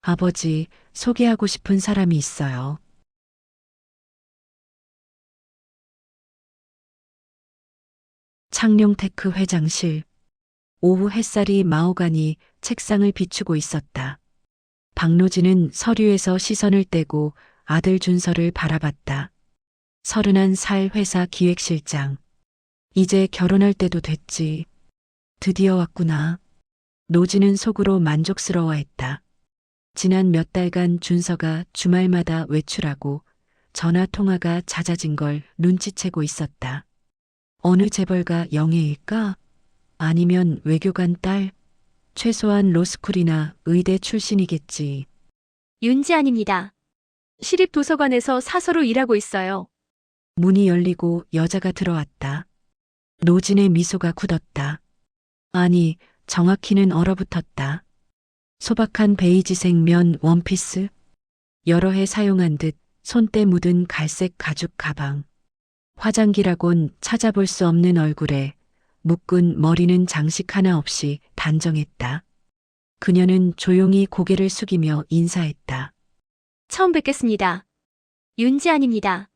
아버지, 소개하고 싶은 사람이 있어요. 창룡테크 회장실. 오후 햇살이 마호가니 책상을 비추고 있었다. 박노진은 서류에서 시선을 떼고 아들 준서를 바라봤다. 31살 회사 기획실장. 이제 결혼할 때도 됐지. 드디어 왔구나. 노진은 속으로 만족스러워했다. 지난 몇 달간 준서가 주말마다 외출하고 전화 통화가 잦아진 걸 눈치채고 있었다. 어느 재벌가 영예일까? 아니면 외교관 딸? 최소한 로스쿨이나 의대 출신이겠지. 윤지안입니다. 시립도서관에서 사서로 일하고 있어요. 문이 열리고 여자가 들어왔다. 노진의 미소가 굳었다. 아니, 정확히는 얼어붙었다. 소박한 베이지색 면 원피스, 여러 해 사용한 듯 손때 묻은 갈색 가죽 가방, 화장기라곤 찾아볼 수 없는 얼굴에 묶은 머리는 장식 하나 없이 단정했다. 그녀는 조용히 고개를 숙이며 인사했다. 처음 뵙겠습니다. 윤지안입니다.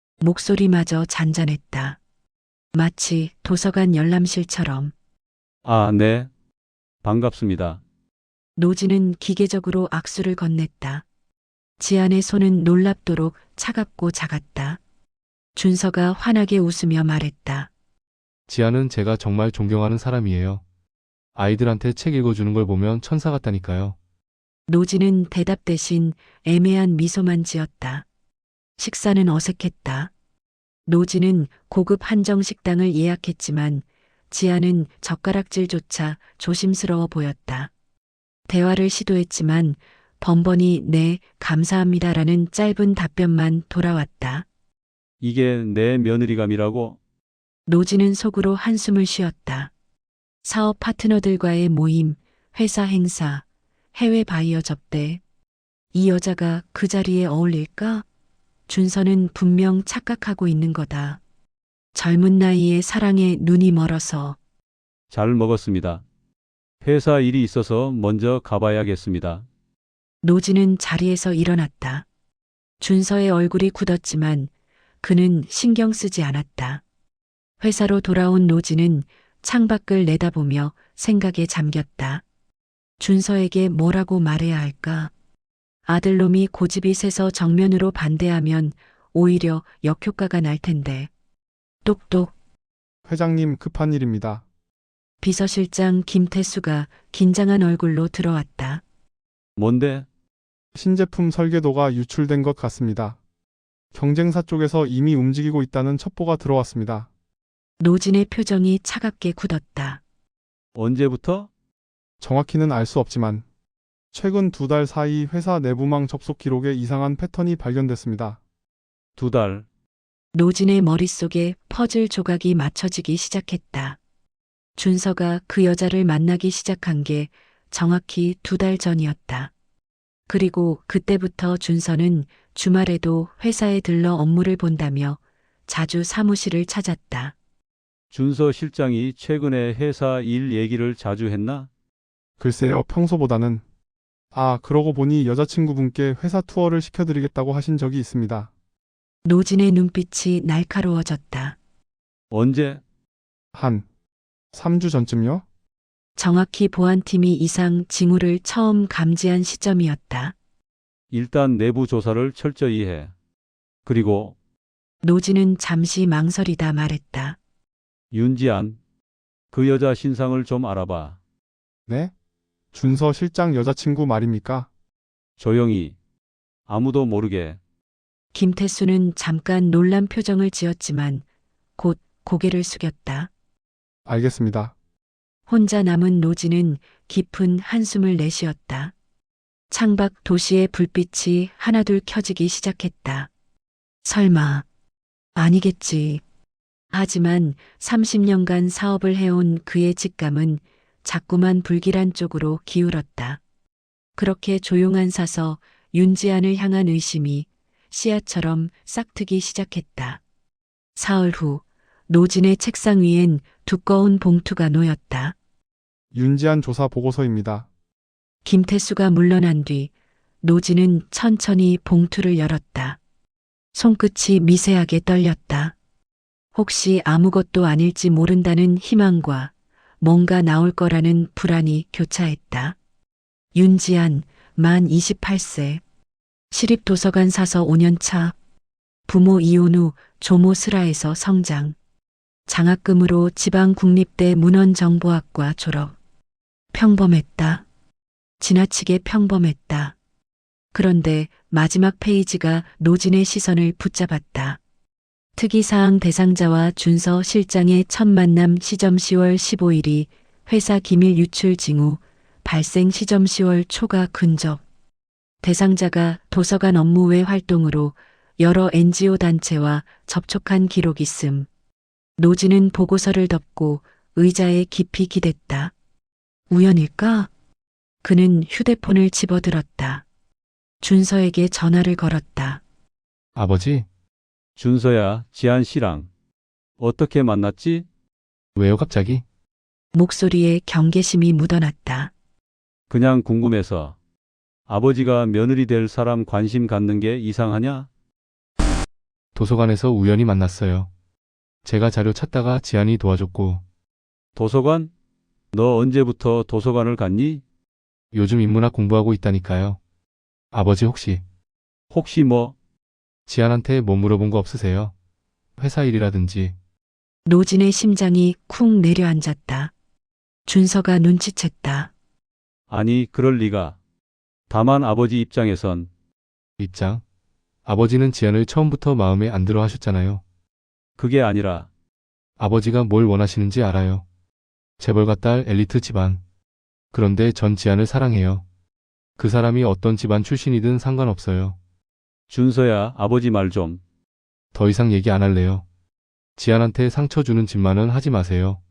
목소리마저 잔잔했다. 마치 도서관 열람실처럼. 아, 네. 반갑습니다. 노진은 기계적으로 악수를 건넸다. 지안의 손은 놀랍도록 차갑고 작았다. 준서가 환하게 웃으며 말했다. 지아는 제가 정말 존경하는 사람이에요. 아이들한테 책 읽어주는 걸 보면 천사 같다니까요. 노진은 대답 대신 애매한 미소만 지었다. 식사는 어색했다. 노진은 고급 한정 식당을 예약했지만 지아는 젓가락질조차 조심스러워 보였다. 대화를 시도했지만 번번이 네, 감사합니다라는 짧은 답변만 돌아왔다. 이게 내 며느리감이라고? 노진은 속으로 한숨을 쉬었다. 사업 파트너들과의 모임, 회사 행사, 해외 바이어 접대. 이 여자가 그 자리에 어울릴까? 준서는 분명 착각하고 있는 거다. 젊은 나이에 사랑에 눈이 멀어서. 잘 먹었습니다. 회사 일이 있어서 먼저 가봐야겠습니다. 노진은 자리에서 일어났다. 준서의 얼굴이 굳었지만 그는 신경 쓰지 않았다. 회사로 돌아온 노진은 창밖을 내다보며 생각에 잠겼다. 준서에게 뭐라고 말해야 할까? 아들놈이 고집이 세서 정면으로 반대하면 오히려 역효과가 날 텐데. 똑똑. 회장님 급한 일입니다. 비서실장 김태수가 긴장한 얼굴로 들어왔다. 뭔데? 신제품 설계도가 유출된 것 같습니다. 경쟁사 쪽에서 이미 움직이고 있다는 첩보가 들어왔습니다. 노진의 표정이 차갑게 굳었다. 언제부터? 정확히는 알 수 없지만 최근 2달 사이 회사 내부망 접속 기록에 이상한 패턴이 발견됐습니다. 2달. 노진의 머릿속에 퍼즐 조각이 맞춰지기 시작했다. 준서가 그 여자를 만나기 시작한 게 정확히 2달 전이었다. 그리고 그때부터 준서는 주말에도 회사에 들러 업무를 본다며 자주 사무실을 찾았다. 준서 실장이 최근에 회사 일 얘기를 자주 했나? 글쎄요, 평소보다는. 아, 그러고 보니 여자친구분께 회사 투어를 시켜드리겠다고 하신 적이 있습니다. 노진의 눈빛이 날카로워졌다. 언제? 한 3주 전쯤요? 정확히 보안팀이 이상 징후를 처음 감지한 시점이었다. 일단 내부 조사를 철저히 해. 그리고 노진은 잠시 망설이다 말했다. 윤지안, 그 여자 신상을 좀 알아봐. 네? 준서 실장 여자친구 말입니까? 조용히. 아무도 모르게. 김태수는 잠깐 놀란 표정을 지었지만 곧 고개를 숙였다. 알겠습니다. 혼자 남은 노진은 깊은 한숨을 내쉬었다. 창밖 도시의 불빛이 하나둘 켜지기 시작했다. 설마, 아니겠지. 하지만 30년간 사업을 해온 그의 직감은 자꾸만 불길한 쪽으로 기울었다. 그렇게 조용한 사서 윤지안을 향한 의심이 씨앗처럼 싹트기 시작했다. 사흘 후 노진의 책상 위엔 두꺼운 봉투가 놓였다. 윤지안 조사 보고서입니다. 김태수가 물러난 뒤 노지는 천천히 봉투를 열었다. 손끝이 미세하게 떨렸다. 혹시 아무것도 아닐지 모른다는 희망과 뭔가 나올 거라는 불안이 교차했다. 윤지안, 만 28세. 시립도서관 사서 5년차. 부모 이혼 후 조모 슬하에서 성장. 장학금으로 지방국립대 문헌정보학과 졸업. 평범했다. 지나치게 평범했다. 그런데 마지막 페이지가 노진의 시선을 붙잡았다. 특이사항 대상자와 준서 실장의 첫 만남 시점 10월 15일이 회사 기밀 유출 징후 발생 시점 10월 초가 근접. 대상자가 도서관 업무 외 활동으로 여러 NGO 단체와 접촉한 기록 있음. 노진은 보고서를 덮고 의자에 깊이 기댔다. 우연일까? 그는 휴대폰을 집어들었다. 준서에게 전화를 걸었다. 아버지, 준서야, 지한 씨랑 어떻게 만났지? 왜요 갑자기? 목소리에 경계심이 묻어났다. 그냥 궁금해서. 아버지가 며느리 될 사람 관심 갖는 게 이상하냐? 도서관에서 우연히 만났어요. 제가 자료 찾다가 지안이 도와줬고, 도서관? 너 언제부터 도서관을 갔니? 요즘 인문학 공부하고 있다니까요. 아버지 혹시 뭐? 지안한테 뭐 물어본 거 없으세요? 회사 일이라든지. 노진의 심장이 쿵 내려앉았다. 준서가 눈치챘다. 아니, 그럴 리가. 다만 아버지 입장에선 입장? 아버지는 지안을 처음부터 마음에 안 들어 하셨잖아요. 그게 아니라 아버지가 뭘 원하시는지 알아요. 재벌가 딸 엘리트 집안. 그런데 전 지안을 사랑해요. 그 사람이 어떤 집안 출신이든 상관없어요. 준서야, 아버지 말 좀. 더 이상 얘기 안 할래요. 지안한테 상처 주는 짓만은 하지 마세요.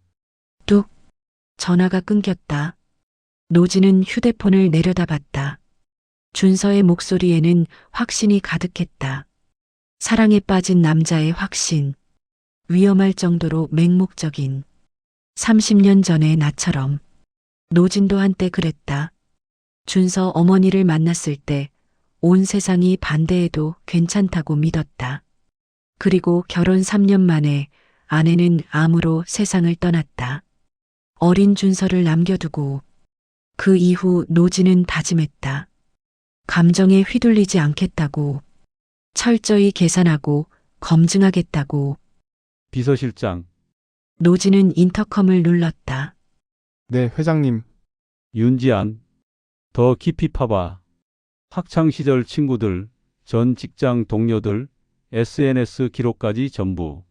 전화가 끊겼다. 노진은 휴대폰을 내려다봤다. 준서의 목소리에는 확신이 가득했다. 사랑에 빠진 남자의 확신. 위험할 정도로 맹목적인. 30년 전의 나처럼. 노진도 한때 그랬다. 준서 어머니를 만났을 때 온 세상이 반대해도 괜찮다고 믿었다. 그리고 결혼 3년 만에 아내는 암으로 세상을 떠났다. 어린 준서를 남겨두고 그 이후 노진은 다짐했다. 감정에 휘둘리지 않겠다고. 철저히 계산하고 검증하겠다고. 비서실장, 노진은 인터컴을 눌렀다. 네, 회장님. 윤지안. 더 깊이 파봐. 학창시절 친구들, 전 직장 동료들, SNS 기록까지 전부.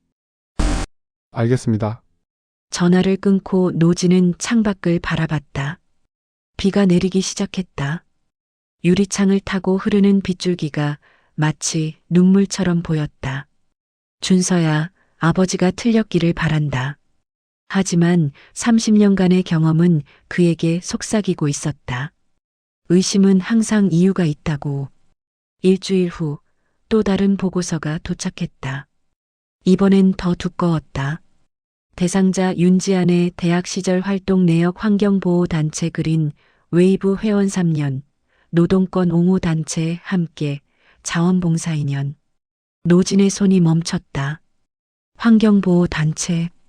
알겠습니다. 전화를 끊고 노진은 창밖을 바라봤다. 비가 내리기 시작했다. 유리창을 타고 흐르는 빗줄기가 마치 눈물처럼 보였다. 준서야, 아버지가 틀렸기를 바란다. 하지만 30년간의 경험은 그에게 속삭이고 있었다. 의심은 항상 이유가 있다고. 일주일 후 또 다른 보고서가 도착했다. 이번엔 더 두꺼웠다. 대상자 윤지안의 대학 시절 활동 내역 환경보호단체 그린 웨이브 회원 3년, 노동권 옹호 단체 함께 자원봉사 2년. 노진의 손이 멈췄다. 환경보호단체,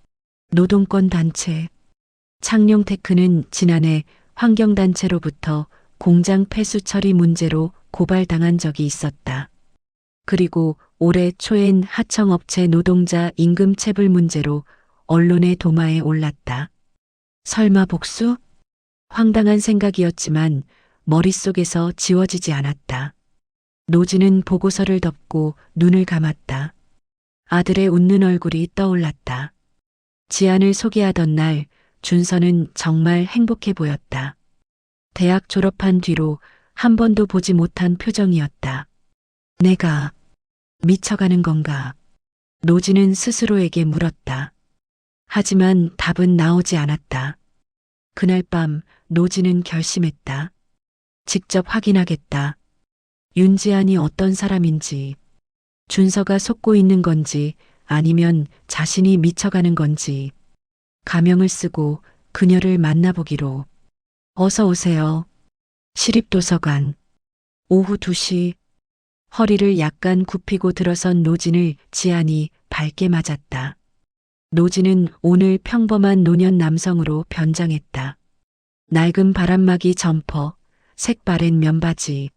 노동권단체. 창룡테크는 지난해 환경단체로부터 공장 폐수 처리 문제로 고발당한 적이 있었다. 그리고 올해 초엔 하청업체 노동자 임금 체불 문제로 언론의 도마에 올랐다. 설마 복수? 황당한 생각이었지만 머릿속에서 지워지지 않았다. 노진은 보고서를 덮고 눈을 감았다. 아들의 웃는 얼굴이 떠올랐다. 지안을 소개하던 날 준서는 정말 행복해 보였다. 대학 졸업한 뒤로 한 번도 보지 못한 표정이었다. 내가 미쳐가는 건가? 노진은 스스로에게 물었다. 하지만 답은 나오지 않았다. 그날 밤 노진은 결심했다. 직접 확인하겠다. 윤지안이 어떤 사람인지, 준서가 속고 있는 건지 아니면 자신이 미쳐가는 건지. 가명을 쓰고 그녀를 만나보기로. 어서 오세요. 시립도서관. 오후 2시 허리를 약간 굽히고 들어선 노진을 지안이 밝게 맞았다. 노진은 오늘 평범한 노년 남성으로 변장했다. 낡은 바람막이 점퍼, 색바랜 면바지.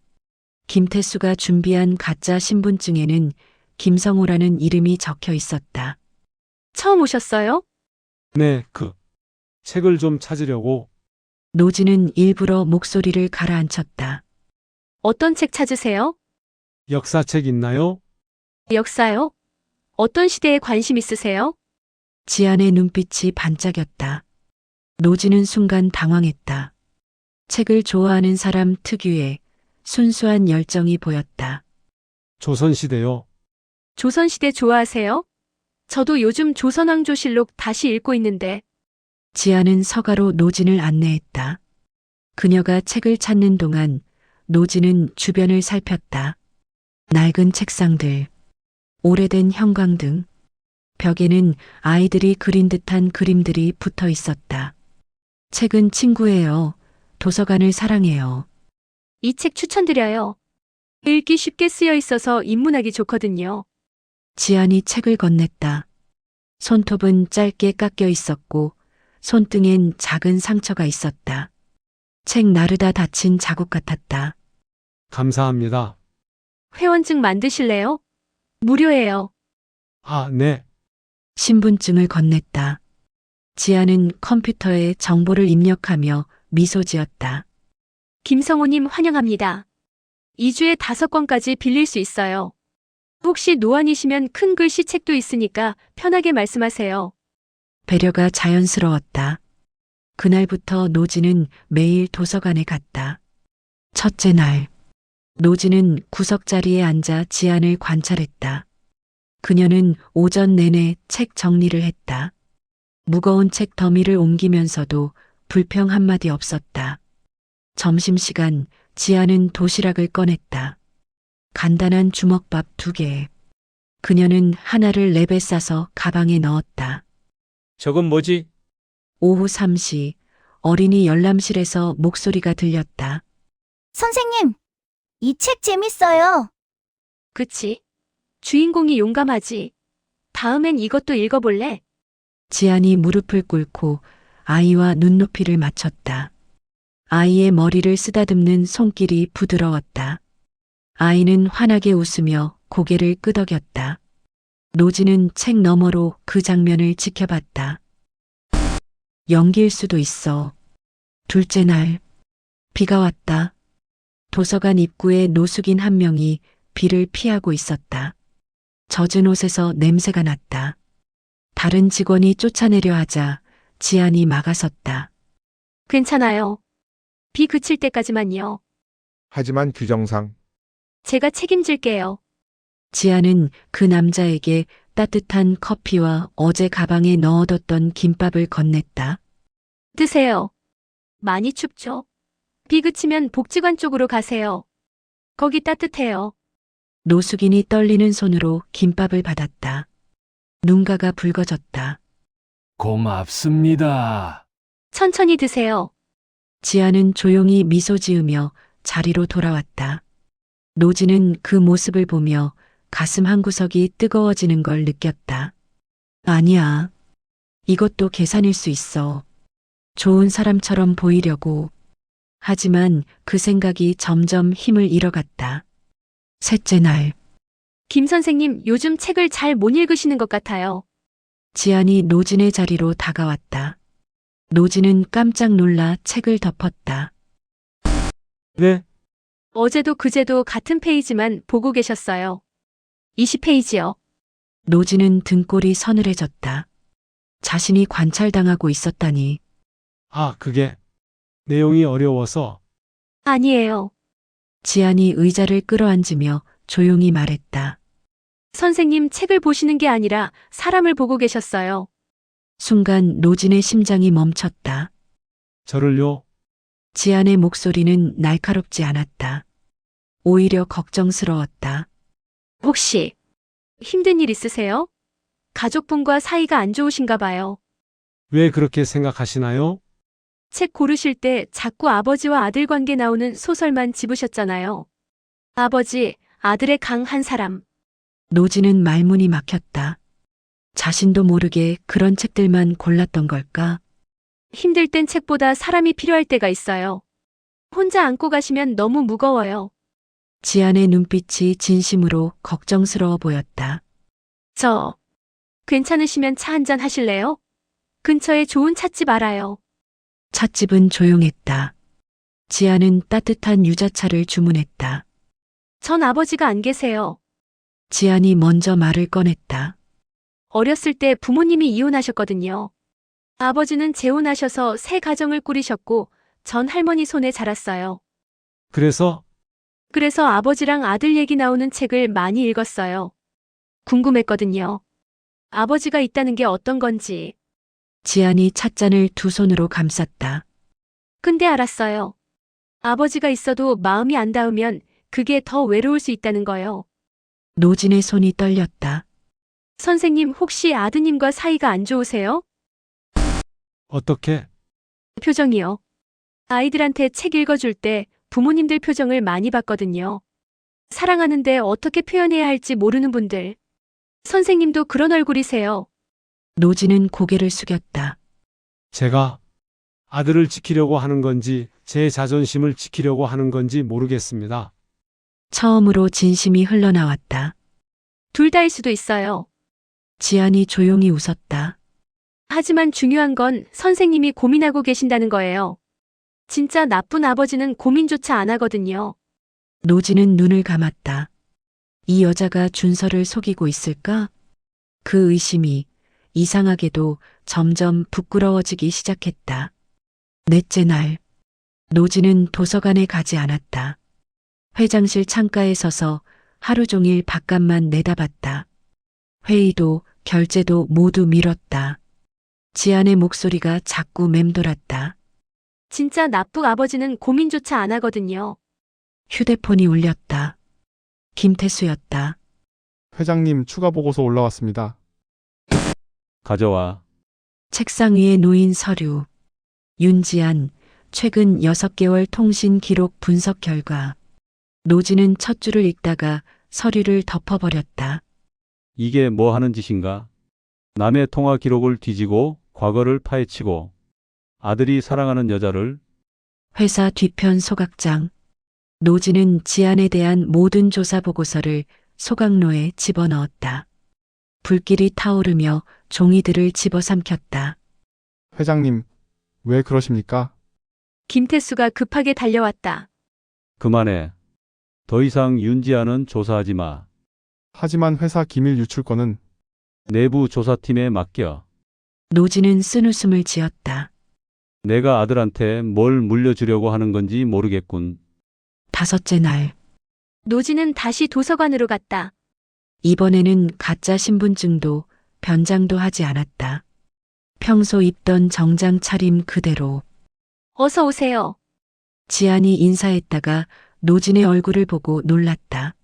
김태수가 준비한 가짜 신분증에는 김성호라는 이름이 적혀 있었다. 처음 오셨어요? 네, 책을 좀 찾으려고. 노진은 일부러 목소리를 가라앉혔다. 어떤 책 찾으세요? 역사책 있나요? 역사요? 어떤 시대에 관심 있으세요? 지안의 눈빛이 반짝였다. 노진은 순간 당황했다. 책을 좋아하는 사람 특유의 순수한 열정이 보였다. 조선시대요. 조선시대 좋아하세요? 저도 요즘 조선왕조실록 다시 읽고 있는데. 지안은 서가로 노진을 안내했다. 그녀가 책을 찾는 동안 노진은 주변을 살폈다. 낡은 책상들, 오래된 형광등, 벽에는 아이들이 그린 듯한 그림들이 붙어 있었다. 책은 친구예요. 도서관을 사랑해요. 이 책 추천드려요. 읽기 쉽게 쓰여 있어서 입문하기 좋거든요. 지안이 책을 건넸다. 손톱은 짧게 깎여 있었고 손등엔 작은 상처가 있었다. 책 나르다 다친 자국 같았다. 감사합니다. 회원증 만드실래요? 무료예요. 아, 네. 신분증을 건넸다. 지안은 컴퓨터에 정보를 입력하며 미소 지었다. 김성호님 환영합니다. 2주에 5권까지 빌릴 수 있어요. 혹시 노안이시면 큰 글씨 책도 있으니까 편하게 말씀하세요. 배려가 자연스러웠다. 그날부터 노진은 매일 도서관에 갔다. 첫째 날, 노진은 구석자리에 앉아 지안을 관찰했다. 그녀는 오전 내내 책 정리를 했다. 무거운 책 더미를 옮기면서도 불평 한마디 없었다. 점심시간 지안은 도시락을 꺼냈다. 간단한 주먹밥 2개. 그녀는 하나를 랩에 싸서 가방에 넣었다. 저건 뭐지? 오후 3시 어린이 열람실에서 목소리가 들렸다. 선생님, 이 책 재밌어요. 그치? 주인공이 용감하지. 다음엔 이것도 읽어볼래? 지안이 무릎을 꿇고 아이와 눈높이를 맞췄다. 아이의 머리를 쓰다듬는 손길이 부드러웠다. 아이는 환하게 웃으며 고개를 끄덕였다. 노지는 책 너머로 그 장면을 지켜봤다. 연기일 수도 있어. 둘째 날, 비가 왔다. 도서관 입구에 노숙인 한 명이 비를 피하고 있었다. 젖은 옷에서 냄새가 났다. 다른 직원이 쫓아내려 하자 지안이 막아섰다. 괜찮아요. 비 그칠 때까지만요. 하지만 규정상 제가 책임질게요. 지안은 그 남자에게 따뜻한 커피와 어제 가방에 넣어뒀던 김밥을 건넸다. 드세요. 많이 춥죠? 비 그치면 복지관 쪽으로 가세요. 거기 따뜻해요. 노숙인이 떨리는 손으로 김밥을 받았다. 눈가가 붉어졌다. 고맙습니다. 천천히 드세요. 지안은 조용히 미소 지으며 자리로 돌아왔다. 노지는 그 모습을 보며 가슴 한구석이 뜨거워지는 걸 느꼈다. 아니야. 이것도 계산일 수 있어. 좋은 사람처럼 보이려고. 하지만 그 생각이 점점 힘을 잃어갔다. 셋째 날, 김 선생님 요즘 책을 잘 못 읽으시는 것 같아요. 지안이 노진의 자리로 다가왔다. 노진은 깜짝 놀라 책을 덮었다. 네, 어제도 그제도 같은 페이지만 보고 계셨어요. 20페이지요. 노진은 등골이 서늘해졌다. 자신이 관찰당하고 있었다니. 아, 그게 내용이 어려워서. 아니에요. 지안이 의자를 끌어앉으며 조용히 말했다. 선생님 책을 보시는 게 아니라 사람을 보고 계셨어요. 순간 노진의 심장이 멈췄다. 저를요? 지안의 목소리는 날카롭지 않았다. 오히려 걱정스러웠다. 혹시 힘든 일 있으세요? 가족분과 사이가 안 좋으신가 봐요. 왜 그렇게 생각하시나요? 책 고르실 때 자꾸 아버지와 아들 관계 나오는 소설만 집으셨잖아요. 아버지, 아들의 강 한 사람. 노지는 말문이 막혔다. 자신도 모르게 그런 책들만 골랐던 걸까? 힘들 땐 책보다 사람이 필요할 때가 있어요. 혼자 안고 가시면 너무 무거워요. 지안의 눈빛이 진심으로 걱정스러워 보였다. 저, 괜찮으시면 차 한잔 하실래요? 근처에 좋은 찻집 알아요. 찻집은 조용했다. 지안은 따뜻한 유자차를 주문했다. 전 아버지가 안 계세요. 지안이 먼저 말을 꺼냈다. 어렸을 때 부모님이 이혼하셨거든요. 아버지는 재혼하셔서 새 가정을 꾸리셨고, 전 할머니 손에 자랐어요. 그래서 그래서 아버지랑 아들 얘기 나오는 책을 많이 읽었어요. 궁금했거든요. 아버지가 있다는 게 어떤 건지. 지안이 찻잔을 두 손으로 감쌌다. 근데 알았어요. 아버지가 있어도 마음이 안 닿으면 그게 더 외로울 수 있다는 거요. 노진의 손이 떨렸다. 선생님 혹시 아드님과 사이가 안 좋으세요? 어떻게? 표정이요. 아이들한테 책 읽어줄 때 부모님들 표정을 많이 봤거든요. 사랑하는데 어떻게 표현해야 할지 모르는 분들. 선생님도 그런 얼굴이세요. 노진은 고개를 숙였다. 제가 아들을 지키려고 하는 건지 제 자존심을 지키려고 하는 건지 모르겠습니다. 처음으로 진심이 흘러나왔다. 둘 다일 수도 있어요. 지안이 조용히 웃었다. 하지만 중요한 건 선생님이 고민하고 계신다는 거예요. 진짜 나쁜 아버지는 고민조차 안 하거든요. 노진은 눈을 감았다. 이 여자가 준서를 속이고 있을까? 그 의심이 이상하게도 점점 부끄러워지기 시작했다. 넷째 날, 노진은 도서관에 가지 않았다. 회장실 창가에 서서 하루 종일 바깥만 내다봤다. 회의도 결제도 모두 미뤘다. 지안의 목소리가 자꾸 맴돌았다. 진짜 나쁜 아버지는 고민조차 안 하거든요. 휴대폰이 울렸다. 김태수였다. 회장님 추가 보고서 올라왔습니다. 가져와. 책상 위에 놓인 서류. 윤지안, 최근 6개월 통신 기록 분석 결과. 노지는 첫 줄을 읽다가 서류를 덮어버렸다. 이게 뭐 하는 짓인가? 남의 통화 기록을 뒤지고 과거를 파헤치고 아들이 사랑하는 여자를 회사 뒤편 소각장. 노지는 지안에 대한 모든 조사 보고서를 소각로에 집어넣었다. 불길이 타오르며 종이들을 집어삼켰다. 회장님, 왜 그러십니까? 김태수가 급하게 달려왔다. 그만해. 더 이상 윤지아는 조사하지 마. 하지만 회사 기밀 유출권은 내부 조사팀에 맡겨. 노지는 쓴웃음을 지었다. 내가 아들한테 뭘 물려주려고 하는 건지 모르겠군. 다섯째 날, 노지는 다시 도서관으로 갔다. 이번에는 가짜 신분증도 변장도 하지 않았다. 평소 입던 정장 차림 그대로. 어서 오세요. 지안이 인사했다가 노진의 얼굴을 보고 놀랐다.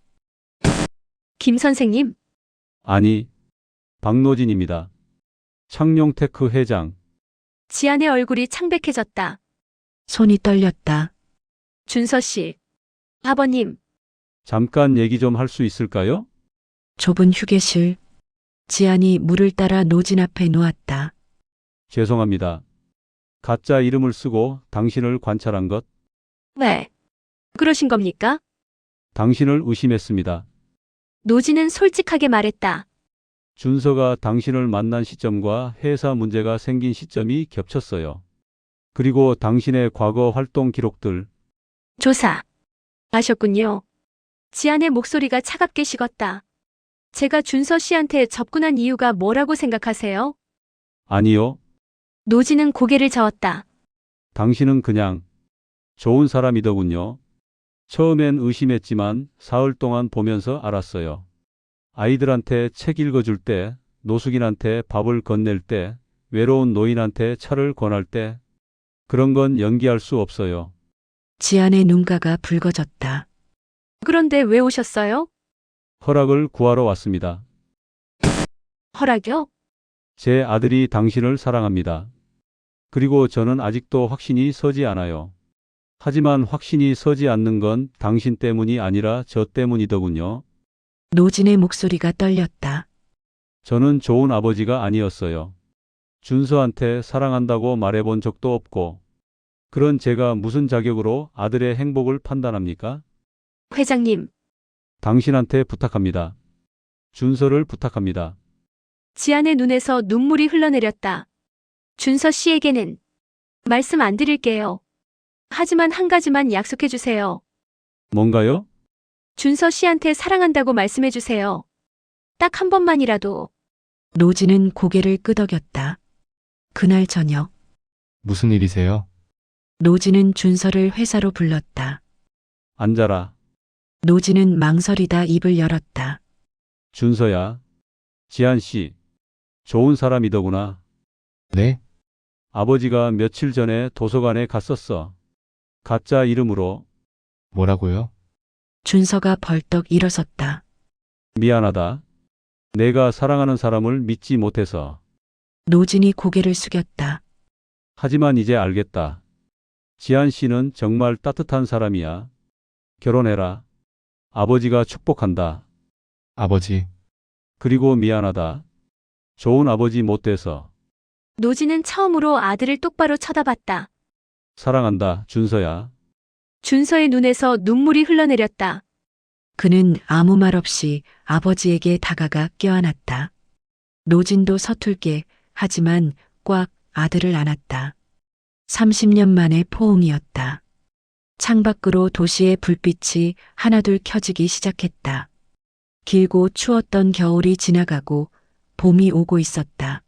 김 선생님, 아니, 박노진입니다. 창룡테크 회장. 지안의 얼굴이 창백해졌다. 손이 떨렸다. 준서 씨. 아버님, 잠깐 얘기 좀 할 수 있을까요? 좁은 휴게실. 지안이 물을 따라 노진 앞에 놓았다. 죄송합니다. 가짜 이름을 쓰고 당신을 관찰한 것, 왜? 그러신 겁니까? 당신을 의심했습니다. 노지는 솔직하게 말했다. 준서가 당신을 만난 시점과 회사 문제가 생긴 시점이 겹쳤어요. 그리고 당신의 과거 활동 기록들, 조사. 아셨군요. 지안의 목소리가 차갑게 식었다. 제가 준서 씨한테 접근한 이유가 뭐라고 생각하세요? 아니요. 노지는 고개를 저었다. 당신은 그냥 좋은 사람이더군요. 처음엔 의심했지만 사흘 동안 보면서 알았어요. 아이들한테 책 읽어줄 때, 노숙인한테 밥을 건넬 때, 외로운 노인한테 차를 권할 때, 그런 건 연기할 수 없어요. 지안의 눈가가 붉어졌다. 그런데 왜 오셨어요? 허락을 구하러 왔습니다. 허락이요? 제 아들이 당신을 사랑합니다. 그리고 저는 아직도 확신이 서지 않아요. 하지만 확신이 서지 않는 건 당신 때문이 아니라 저 때문이더군요. 노진의 목소리가 떨렸다. 저는 좋은 아버지가 아니었어요. 준서한테 사랑한다고 말해본 적도 없고, 그런 제가 무슨 자격으로 아들의 행복을 판단합니까? 회장님, 당신한테 부탁합니다. 준서를 부탁합니다. 지안의 눈에서 눈물이 흘러내렸다. 준서 씨에게는 말씀 안 드릴게요. 하지만 한 가지만 약속해 주세요. 뭔가요? 준서 씨한테 사랑한다고 말씀해 주세요. 딱 한 번만이라도. 노진은 고개를 끄덕였다. 그날 저녁, 무슨 일이세요? 노진은 준서를 회사로 불렀다. 앉아라. 노진은 망설이다 입을 열었다. 준서야. 지한 씨. 좋은 사람이더구나. 네? 아버지가 며칠 전에 도서관에 갔었어. 가짜 이름으로. 뭐라고요? 준서가 벌떡 일어섰다. 미안하다. 내가 사랑하는 사람을 믿지 못해서. 노진이 고개를 숙였다. 하지만 이제 알겠다. 지한 씨는 정말 따뜻한 사람이야. 결혼해라. 아버지가 축복한다. 아버지, 그리고 미안하다. 좋은 아버지 못 돼서. 노진은 처음으로 아들을 똑바로 쳐다봤다. 사랑한다, 준서야. 준서의 눈에서 눈물이 흘러내렸다. 그는 아무 말 없이 아버지에게 다가가 껴안았다. 노진도 서툴게 하지만 꽉 아들을 안았다. 30년 만의 포옹이었다. 창밖으로 도시의 불빛이 하나둘 켜지기 시작했다. 길고 추웠던 겨울이 지나가고 봄이 오고 있었다.